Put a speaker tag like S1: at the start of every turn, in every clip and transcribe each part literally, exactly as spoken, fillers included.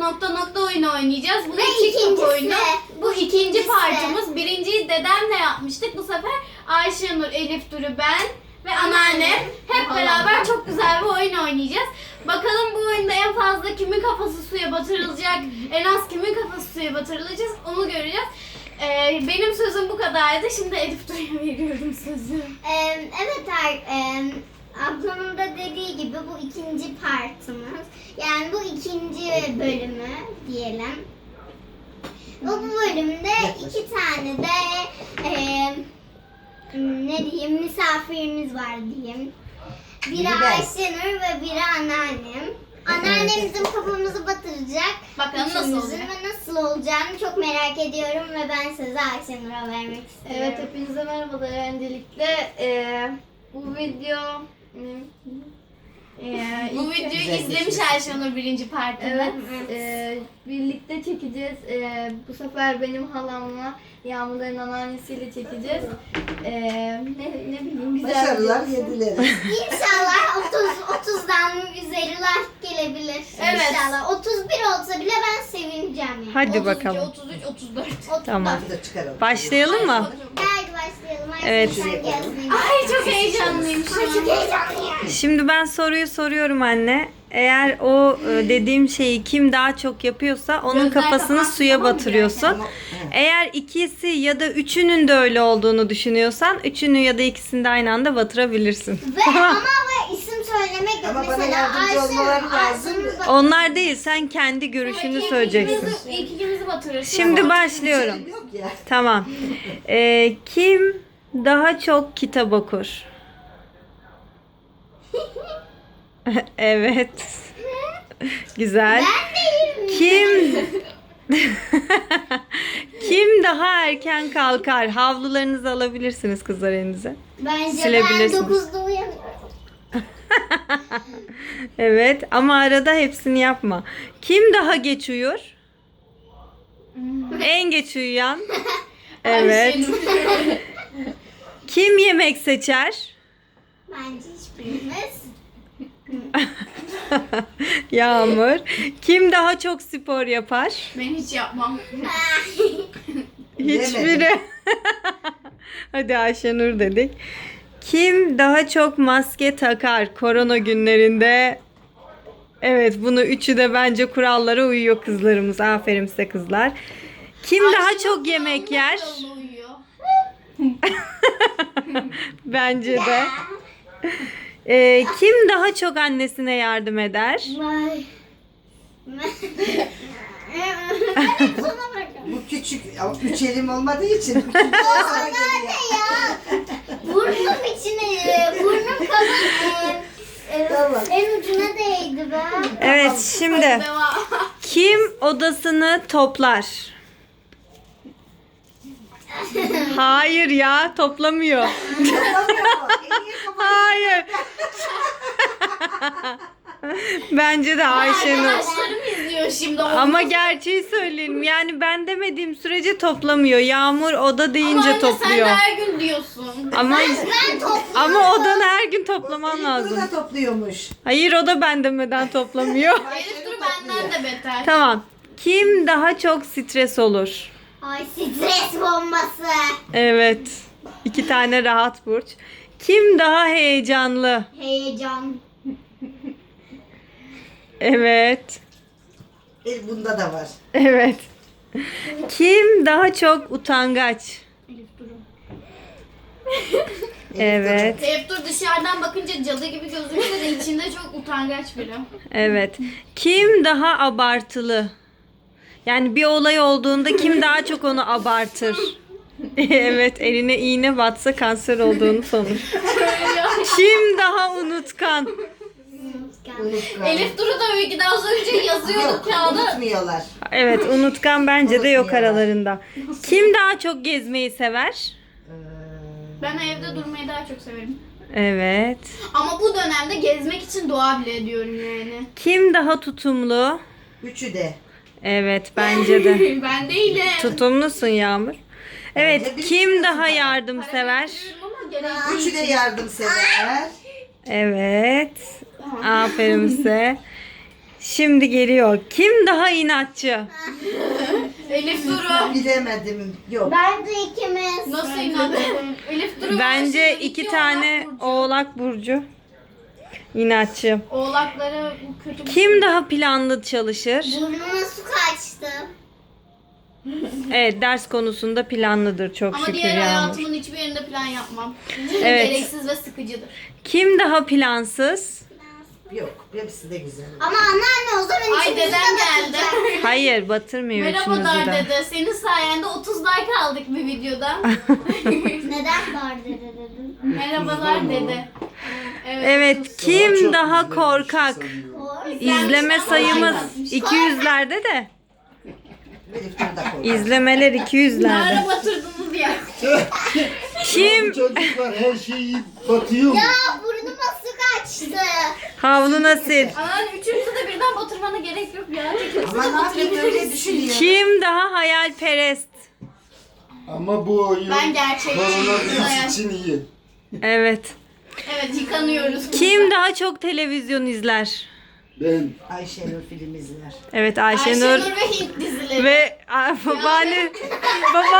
S1: nokta nokta oyunu oynayacağız. Bu
S2: Ve
S1: TikTok
S2: ikincisi,
S1: oyunu. Bu
S2: bu
S1: ikinci
S2: ikincisi.
S1: parçamız. Birinciyi dedemle yapmıştık. Bu sefer Ayşenur, Elif Duru, ben ve anneannem hep beraber çok güzel bir oyun oynayacağız. Bakalım bu oyunda en fazla kimin kafası suya batırılacak, en az kimin kafası suya batırılacak onu göreceğiz. Ee, benim sözüm bu kadardı. Şimdi Elif Duru'ya veriyorum sözü.
S2: Ee, evet er, e, ablamın da dediği gibi bu ikinci partımız. Yani bu ikinci bölümü diyelim. Bu, bu bölümde iki tane de e, ne diyeyim misafirimiz var diyeyim. Biri
S3: Biri ben.
S2: Ayşenur ve biri anneannem. Anneannem bizim kafamızı batıracak.
S1: Bakalım nasıl
S2: Üçümüzün
S1: olacak?
S2: ve nasıl olacağını çok merak ediyorum ve ben sözü Ayşenur'a vermek istiyorum.
S4: Evet, hepinize merhabalar. Öncelikle eee, bu video
S1: Ee, bu videoyu
S3: Güzel
S1: izlemiş
S3: geçmiş.
S1: Ayşenur birinci partını.
S4: evet eee, birlikte çekeceğiz. Eee, bu sefer benim halamla Yağmurların anneannesiyle çekeceğiz. Eee, ne, ne bileyim güzel.
S3: Başarılar
S4: bir-
S3: yediler.
S2: İnşallah otuz otuzdan üzeri like gelebilir.
S1: Evet.
S2: İnşallah. otuz bir olsa bile ben sevineceğim yani.
S5: Hadi
S1: otuz iki,
S5: bakalım.
S1: otuz üç, otuz dört.
S2: otuz
S5: Tamam.
S3: Bir de çıkaralım.
S5: Başlayalım mı?
S2: Haydi başlayalım. Ayşe,
S5: Evet.
S2: sen gezmeyi.
S1: Ay çok heyecanlıyım şu
S2: Ay
S1: an.
S2: çok heyecanlıyım.
S5: Şimdi ben soruyu soruyorum anne. Eğer o e, dediğim şeyi kim daha çok yapıyorsa onun
S1: Gözler
S5: kafasını
S1: kapansın,
S5: suya
S1: tamam mı
S5: batırıyorsun.
S3: Ama-
S5: Eğer ikisi ya da üçünün de öyle olduğunu düşünüyorsan üçünü ya da ikisini de aynı anda batırabilirsin.
S2: Ve ama ve isim söylemek yok.
S3: Ama bana
S2: Mesela
S3: yardımcı
S2: Ayşe,
S3: olmaları lazım.
S2: Ayşe'nin bak-
S5: Onlar değil, sen kendi görüşünü söyleyeceksin.
S1: İlk ikimizi batırırsın.
S5: Şimdi başlıyorum.
S3: Şey yok ya.
S5: Tamam. Ee, kim daha çok kitap okur? Evet. Güzel.
S2: Ben değilim.
S5: Kim Kim daha erken kalkar? Havlularınızı alabilirsiniz kızlar elinize.
S2: Bence ben
S5: Silebilirsiniz.
S2: dokuzda uyanıyorum.
S5: Evet ama arada hepsini yapma. Kim daha geç uyur? En geç uyuyan. Evet.
S1: Ayşenur.
S5: Kim yemek seçer?
S2: Bence hiçbirimiz.
S5: Yağmur. Kim daha çok spor yapar?
S1: Ben hiç yapmam.
S5: Hiçbiri. Hadi Ayşenur dedik. Kim daha çok maske takar korona günlerinde? Evet, bunu üçü de bence kurallara uyuyor kızlarımız. Aferin size kızlar. Kim daha
S1: Ayşenur
S5: çok yemek yer?
S1: kuralına uyuyor.
S5: Bence de. Ee, kim daha çok annesine yardım eder?
S2: Vay. Ben hep sona bırakıyorum.
S3: Bu küçük, ama üç elim olmadığı için. küçük biraz sana geliyor.
S2: Ya burnum içine, burnum kafam e, e,
S3: Tamam.
S2: en ucuna değdi be.
S5: Evet, şimdi
S1: Devam.
S5: kim odasını toplar? Hayır ya, toplamıyor.
S3: Yapamıyor mu? En iyi kafayı-
S5: Hayır. Bence de Ayşenur.
S1: Arkadaşlarım izliyor şimdi.
S5: Ama gerçeği söyleyelim. Yani ben demediğim sürece toplamıyor. Yağmur oda deyince
S1: Ama
S5: topluyor.
S1: sen de her gün diyorsun.
S5: Ama
S2: Ben topluyorum.
S5: ama odanı her gün toplaman
S3: Bunu
S5: lazım.
S3: da topluyormuş.
S5: Hayır, o da ben demeden toplamıyor.
S1: Elif Duru benden de beter.
S5: Tamam. Kim daha çok stres olur?
S2: Ay stres bombası.
S5: Evet. İki tane rahat burç. Kim daha heyecanlı?
S2: Heyecan.
S5: Evet.
S3: E, bunda da var.
S5: Evet. Kim daha çok utangaç?
S1: Elif Duru.
S5: Evet.
S1: Elif Duru dışarıdan bakınca cadı gibi gözükse de içinde çok utangaç biri.
S5: Evet. Kim daha abartılı? Yani bir olay olduğunda kim daha çok onu abartır? Evet, eline iğne batsa kanser olduğunu sanır. Kim daha unutkan?
S3: Unutkan.
S1: Elif Duru da öyle az önce yazıyordu
S3: Yok,
S1: kağıda.
S3: unutmuyorlar.
S5: Evet, unutkan bence de yok
S3: Unutmuyorlar.
S5: aralarında. Kim daha çok gezmeyi sever?
S3: Ee,
S1: Ben evde durmayı daha çok severim.
S5: Evet.
S1: Ama bu dönemde gezmek için dua bile ediyorum yani.
S5: Kim daha tutumlu?
S3: Üçü de.
S5: Evet, bence de.
S1: Ben değilim.
S5: Tutumlusun Yağmur. Evet,
S3: Bence bir
S5: kim
S3: sürü
S5: daha
S3: var.
S5: yardımsever?
S1: Ama gerek
S3: Üçü de yardımsever.
S5: Evet. Aferin size. Şimdi geliyor. Kim daha inatçı?
S1: Elif Duru.
S3: Bilemedim. Yok.
S2: Bence ikimiz.
S1: Nasıl inandı? Elif Duru.
S5: Bence
S1: Ayşenur,
S5: iki
S1: Oğlak
S5: tane
S1: Burcu.
S5: Oğlak burcu. İnatçı.
S1: Oğlaklara bu kötü bir
S5: Kim daha planlı çalışır?
S2: Burnuma su kaçtı.
S5: Evet, ders konusunda planlıdır çok
S1: Ama
S5: şükür
S1: diğer
S5: Yağmur.
S1: hayatımın hiçbir yerinde plan yapmam.
S5: Evet.
S1: Gereksiz ve sıkıcıdır.
S5: Kim daha plansız?
S3: Yok. Hepsi de güzel.
S2: Ama anneanne o zaman
S1: Ay
S2: ikimiz de
S1: dedem geldi.
S2: batacak.
S5: Hayır, batırmıyor
S1: Merhaba
S5: üçünüzü
S1: Dar
S5: de.
S1: dede. Senin sayende otuz like aldık bir videoda.
S2: Neden dar dede dedin?
S1: Merhabalar dede. Evet.
S5: Evet, kim daha korkak? İzleme sayımız
S1: Ay,
S5: iki yüzlerde de.
S3: Elif Duru da korkar.
S5: İzlemeler iki yüzlerde.
S1: Nara batırdınız ya.
S5: Kim
S6: Çocuklar her şeyi batıyor mu?
S2: Ya burnuma su kaçtı.
S5: havluna sil?
S1: Anan üçümüzü de birden batırmana gerek yok ya. İkimizi de
S3: Ama ne yapayım öyle
S1: batırabiliriz.
S3: düşünüyor.
S5: Kim daha hayalperest?
S6: Ama bu oyun
S1: Ben gerçekçiyim.
S6: koronavirüs için iyi.
S5: Evet.
S1: Evet yıkanıyoruz.
S5: Kim daha çok televizyon izler?
S6: Ben
S3: Ayşenur film izler.
S5: Evet,
S1: Ayşenur,
S5: Ayşenur
S1: ve Hint dizileri.
S5: ve a, babaanne baba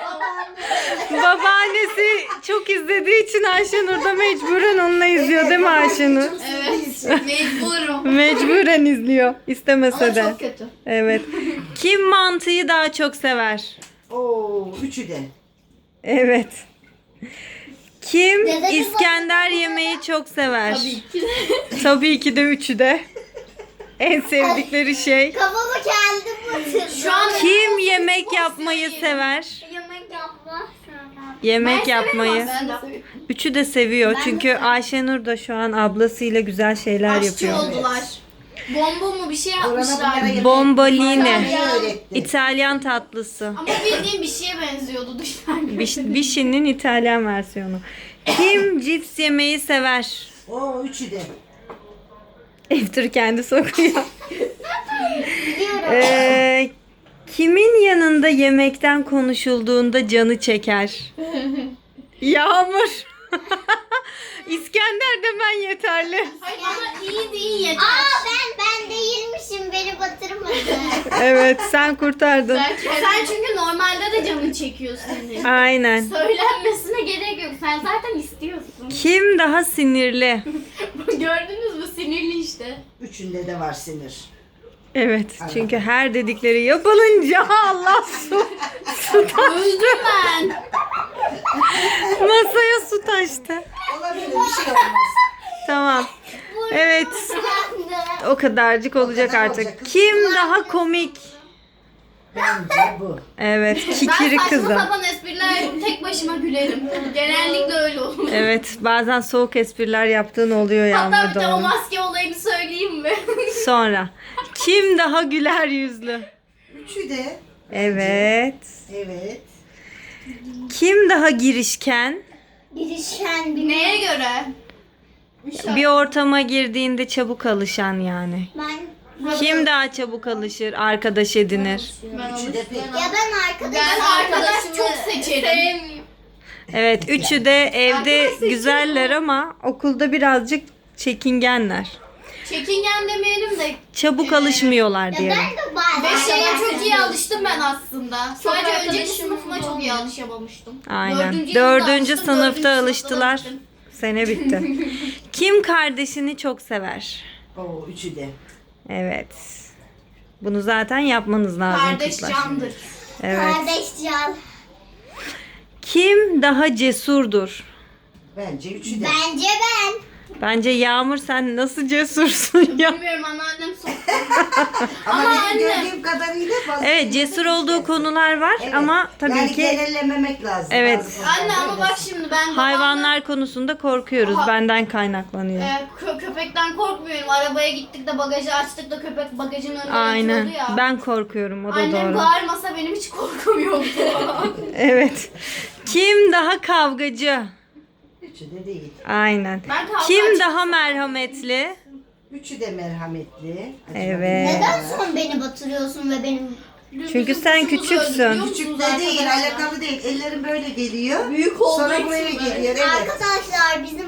S5: babaannesi çok izlediği için Ayşenur da mecburen onunla izliyor değil mi Ayşenur?
S1: Evet. Mecburum.
S5: Mecburen izliyor istemese
S1: Ama
S5: de.
S1: çok kötü.
S5: Evet. Kim mantıyı daha çok sever?
S3: Oo, üçü de.
S5: Evet. Kim
S2: Dede bir
S5: İskender yemeği çok sever?
S1: Tabii ki de.
S5: Tabii ki de üçü de. En sevdikleri şey.
S2: Kafamı kendim batırdım.
S1: Şu an
S5: Kim yemek yapmayı sever?
S2: yemek yapma.
S5: Yemek
S1: Ben
S5: yapmayı.
S1: severim aslında. Ben de severim.
S5: Üçü de seviyor.
S2: Ben de
S5: Çünkü Ayşenur da şu an ablasıyla güzel şeyler
S1: Aşçı
S5: yapıyor.
S1: oldular. Bomba mu bir şey
S3: Korona bunlara
S1: yapmışlar.
S3: yemek-
S5: Bomboline.
S3: Yemeği öğretti.
S5: İtalyan tatlısı.
S1: Ama bildiğin bir şeye benziyordu dışarıdan.
S5: Biş- Bişi'nin İtalyan versiyonu. Kim cips yemeyi sever?
S3: Oo, üçü de.
S5: Eftir kendi sokuyor.
S2: Biliyorum.
S5: Ee, kimin yanında yemekten konuşulduğunda canı çeker? Yağmur. İskender demen yeterli.
S1: Hayır ama iyi değil yeter.
S2: Aa ben ben değilmişim beni batırmadı.
S5: Evet, sen kurtardın.
S1: Sen, sen çünkü normalde de canın çekiyor senin.
S5: Aynen.
S1: Söylenmesine gerek yok. Sen zaten istiyorsun.
S5: Kim daha sinirli?
S1: Gördünüz mü? Sinirli işte.
S3: Üçünde de var sinir.
S5: Evet, çünkü her dedikleri yapılınca Allah su, su taştı.
S1: Öldüm ben.
S5: Masaya su taştı.
S3: Olabilir, bir şey olmaz.
S5: Tamam. Evet,
S2: Ben de.
S5: o kadarcık olacak
S3: kadar
S5: artık.
S3: olacak.
S5: Kim daha komik?
S3: Bence bu.
S5: Evet,
S1: Ben
S5: kikiri
S1: saçma
S5: kızım.
S1: sapan espriler tek başıma gülerim. Genellikle öyle olur.
S5: Evet, bazen soğuk espriler yaptığın oluyor
S1: Hatta
S5: Yağmur
S1: bir de o
S5: doğru.
S1: maske olayını söyleyeyim mi?
S5: Sonra. Kim daha güler yüzlü?
S3: Üçü de.
S5: Evet.
S3: Evet.
S5: Kim daha girişken?
S2: Girişen bir
S1: Neye göre?
S5: Bir ortama girdiğinde çabuk alışan yani.
S2: ben
S5: Kim daha çabuk alışır, arkadaş edinir?
S3: Üçü de pek.
S2: ya ben arkadaşım.
S1: Ben arkadaş çok seçerim.
S5: Evet, üçü de evde güzeller ama okulda birazcık çekingenler.
S1: Çekingen demeyelim de
S5: Çabuk alışmıyorlar
S2: Ya
S5: diyelim.
S2: ben de bazen.
S1: beş şeye
S2: arkadaşım.
S1: çok iyi alıştım ben aslında. Sadece önceki
S4: arkadaşım
S1: sınıfına çok iyi
S4: olmuyor.
S1: alışamamıştım.
S5: Aynen.
S1: Dördüncü
S5: Dördüncü
S1: yılda alıştım,
S5: sınıfta
S1: dördüncü sınıfta
S5: alıştılar.
S1: alıştım.
S5: Sene bitti. Kim kardeşini çok sever?
S3: Oo, üçü de.
S5: Evet. Bunu zaten yapmanız lazım
S1: Kardeş
S5: kızlar.
S1: candır.
S5: Evet.
S2: Kardeş can.
S5: Kim daha cesurdur?
S3: Bence üçü de.
S2: Bence ben.
S5: Bence Yağmur sen nasıl cesursun ya?
S1: Bilmiyorum anneannem soktu.
S3: Ama,
S1: Ama
S3: benim
S1: anne-
S3: gördüğüm kadarıyla fazla.
S5: Evet, cesur olduğu konular var
S3: Evet.
S5: ama tabii
S3: yani
S5: ki
S3: genellememek lazım.
S5: Evet.
S3: Bazı konularda
S1: Anne ama bak
S3: öylesin.
S1: şimdi ben
S5: hayvanlar konusunda korkuyoruz.
S1: Aha.
S5: Benden kaynaklanıyor.
S1: Ee, kö- köpekten korkmuyorum. Arabaya gittik de bagajı açtık da köpek bagajın önüne
S5: Aynen.
S1: yatıyordu ya.
S5: Ben korkuyorum. O da
S1: Annem
S5: doğru.
S1: bağırmasa benim hiç korkum yoktu.
S5: Evet. Kim daha kavgacı?
S3: Üçü de değil.
S5: Aynen.
S1: Ben kavga
S5: Kim
S1: açık
S5: daha merhametli?
S3: Üçü de merhametli. Acaba
S5: Evet.
S2: Neden son beni batırıyorsun ve benim
S5: Çünkü
S1: Bizim
S5: sen
S1: kuşumuzu
S5: küçüksün.
S1: öldürüyor musunuz
S3: Küçük de değil,
S1: arkadaşlar?
S3: alakalı değil. Ellerim böyle geliyor.
S1: Büyük olduğu
S3: Sonra
S1: için
S3: buraya
S1: böyle.
S3: geliyor. Evet.
S2: arkadaşlar bizim Mona'mız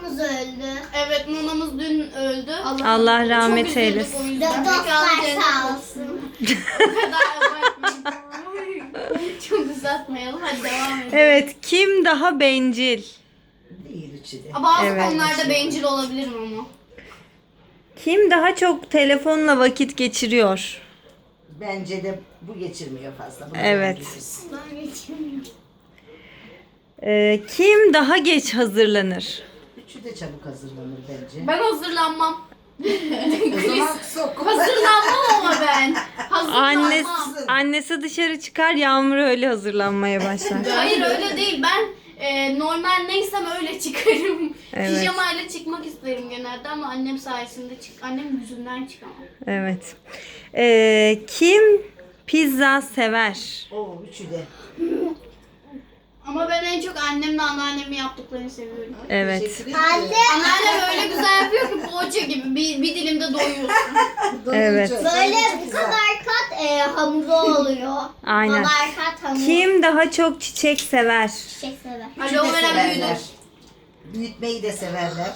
S2: Monomuz öldü.
S1: Evet, Mona'mız dün öldü.
S5: Allah rahmet
S1: Çok üzüldük
S5: eylesin.
S1: o yüzden.
S2: Dostlar
S1: Mekanı
S2: sağ
S1: cennet
S2: olsun.
S1: O kadar abartmayın. Çok uzatmayalım. Hadi devam edelim.
S5: Evet, kim daha bencil?
S3: Değil üçü de.
S1: Bazı
S5: Evet.
S1: konularda bencil olabilirim ama.
S5: Kim daha çok telefonla vakit geçiriyor?
S3: Bence de bu geçirmiyor fazla. Bunu
S5: Evet.
S3: biliriz.
S2: Ben geçemiyorum.
S5: Ee, kim daha geç hazırlanır?
S3: Üçü de çabuk hazırlanır bence.
S1: Ben hazırlanmam.
S3: O zaman sok.
S1: Hazırlanmam ama ben. Hazırlanmam.
S5: Annesi, annesi dışarı çıkar, Yağmur öyle hazırlanmaya başlar.
S1: Hayır öyle değil. Ben e, normal neysem öyle çıkarım.
S5: Evet.
S1: Pijamayla çıkmak isterim genelde ama annem sayesinde çık. Annem yüzünden çıkamam.
S5: Evet. Ee, kim pizza sever?
S3: Oo üçü de.
S1: Ama ben en çok annemle anneannemin yaptıklarını seviyorum.
S5: Evet.
S3: Teşekkür ederim.
S2: Anne
S1: Anneannem öyle güzel yapıyor ki poğaça gibi bir, bir dilimde doyuyorsun.
S5: Evet.
S2: böyle bu kadar kat e, hamuru oluyor.
S5: Aynen.
S2: Bu kadar kat hamur.
S5: Kim daha çok çiçek sever?
S2: Çiçek sever.
S3: Üçü de
S1: Aloe vera
S3: severler.
S1: büyüdü.
S3: Büyütmeyi de severler.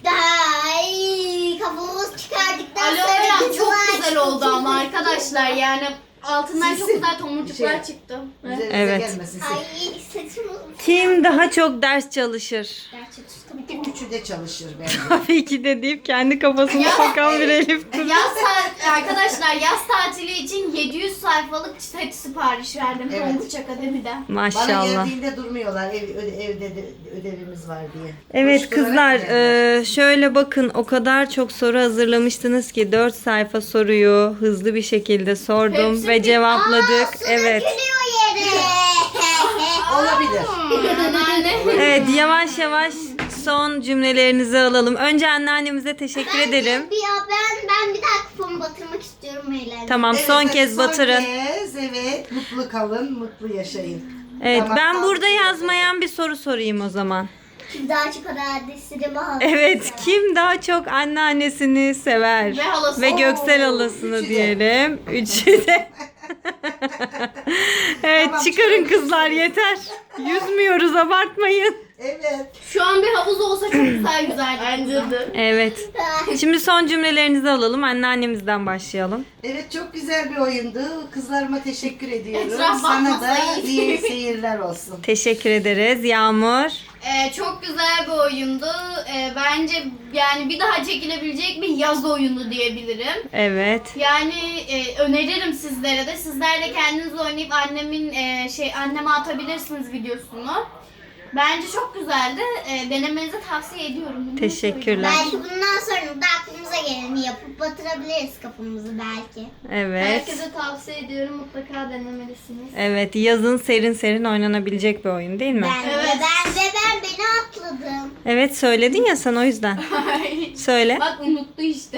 S2: Ay kafamız çıkardıktan
S1: Aloe
S2: sonra
S1: vera çok
S2: kızılar
S1: güzel oldu ama arkadaşlar yani altından çok
S3: Silsin.
S1: güzel tomurcuklar
S3: Şey.
S1: çıktı.
S3: Üzerinize
S5: Evet.
S3: gelmesin.
S2: Ay saçım
S5: Kim daha çok ders çalışır?
S2: gerçekten.
S3: Üçü de çalışır bence.
S5: Tabii ki de deyip kendi kafasını sokan bir Elif Duru.
S1: Yaz ta- arkadaşlar yaz tatili için yedi yüz sayfalık set sipariş verdim
S3: Evet.
S1: Tonguç Akademi'den.
S3: Bana
S5: Maşallah.
S3: geldiğinde durmuyorlar. Ev, öde- evde de ödevimiz var diye.
S5: Evet
S3: Koşturarak
S5: kızlar
S3: geldiler.
S5: e, şöyle bakın o kadar çok soru hazırlamıştınız ki dört sayfa soruyu hızlı bir şekilde sordum
S1: Hepsi
S5: ve
S1: bir-
S5: cevapladık.
S2: Su
S5: Evet.
S2: dökülüyor yere.
S3: Olabilir.
S1: Anneanne.
S5: Evet yavaş yavaş son cümlelerinizi alalım. Önce anneannemize teşekkür edelim.
S2: Bir, ya ben ben bir daha kafamı batırmak istiyorum eğlenceli.
S5: Tamam
S3: Evet,
S5: son
S3: hadi
S5: kez batırın.
S3: Son kez evet. Mutlu kalın, mutlu yaşayın.
S5: Evet
S3: Tamam,
S5: ben
S3: sağ
S5: burada
S3: olun.
S5: yazmayan bir soru sorayım o zaman.
S2: Kim daha çok adresini bağlı.
S5: Evet kim daha çok anneannesini sever?
S1: Ve halası.
S5: Ve Göksel
S3: Oo,
S5: halasını
S3: üçü de.
S5: diyelim. Üçü de. Evet
S3: Tamam,
S5: çıkarın
S3: çıkarın.
S5: kızlar yeter. Yüzmüyoruz abartmayın.
S3: Evet.
S1: Şu an bir havuz olsa çok güzel güzel. Bence de.
S5: Evet. Şimdi son cümlelerinizi alalım. Anneannemizden başlayalım.
S3: Evet çok güzel bir oyundu. Kızlarıma teşekkür ediyorum.
S1: Etraf
S3: Sana da
S1: bakmasa iyi.
S3: iyi seyirler olsun.
S5: Teşekkür ederiz. Yağmur.
S1: Ee, çok güzel bir oyundu. Ee, bence yani bir daha çekilebilecek bir yaz oyunu diyebilirim.
S5: Evet.
S1: Yani e, öneririm sizlere de. Sizler de kendiniz oynayıp annemin e, şey anneme atabilirsiniz videosunu. Bence çok güzeldi. E, denemenizi tavsiye ediyorum. Bunu
S5: Teşekkürler.
S2: Belki bundan sonra da aklımıza geleni yapıp batırabiliriz kafamızı belki.
S5: Evet.
S4: Herkese tavsiye ediyorum. Mutlaka denemelisiniz.
S5: Evet yazın serin serin oynanabilecek bir oyun değil mi?
S2: Ben
S1: Evet.
S2: de ben de ben beni atladım.
S5: Evet söyledin ya sen o yüzden.
S1: söyleyeyim.
S5: Söyle.
S1: Bak unuttu işte.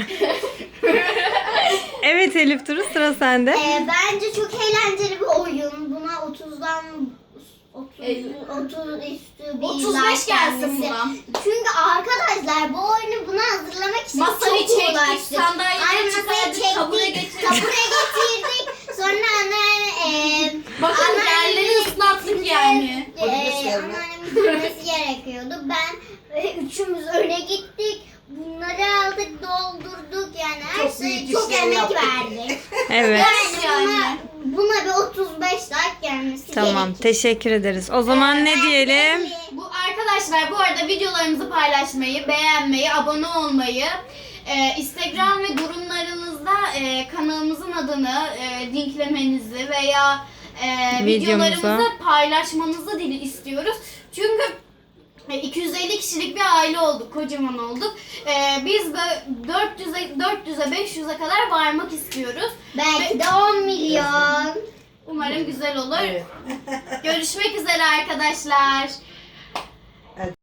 S5: Evet Elif Duru sıra sende.
S2: Ee, bence çok eğlenceli bir oyun. Buna otuzdan otuz, otuz üstü bir
S1: otuz
S2: like
S1: beş gelsin
S2: gelmesi.
S1: buna.
S2: Çünkü arkadaşlar bu oyunu buna hazırlamak için
S1: Masayı
S2: çok
S1: çektik,
S2: uğraştık.
S1: sandalyeleri
S2: Ay, masayı
S1: çıkardık,
S2: çektik,
S1: tabure getirdik.
S2: tabure getirdik. Sonra anneanne e,
S1: Bakın
S2: anneannemin
S1: yerleri ıslattık yani.
S2: E,
S3: Onu gösterme.
S2: anneannemin gülmesi gerekiyordu. Ben e, üçümüz öne gittik. Bunları aldık, doldurduk yani her
S3: Çok
S2: şey
S3: büyük
S2: çok
S3: işler
S2: emek
S3: yaptık.
S2: verdik.
S5: Evet.
S2: Yani buna, buna bir otuz beş like gelmesi
S5: Tamam
S2: gerekir.
S5: teşekkür ederiz. O zaman ne
S2: Ben
S5: diyelim?
S2: belli.
S1: Bu arkadaşlar bu arada videolarımızı paylaşmayı, beğenmeyi, abone olmayı, e, Instagram ve durumlarınızda e, kanalımızın adını e, linklemenizi veya e,
S5: Videomuza.
S1: videolarımızı paylaşmanızı dili istiyoruz. Çünkü e, iki yüz elli kişilik bir aile olduk, kocaman olduk. E, biz böyle dört yüze, dört yüze, beş yüze kadar varmak istiyoruz.
S2: Belki de on milyon.
S1: Umarım güzel olur.
S3: Evet.
S1: Görüşmek üzere arkadaşlar.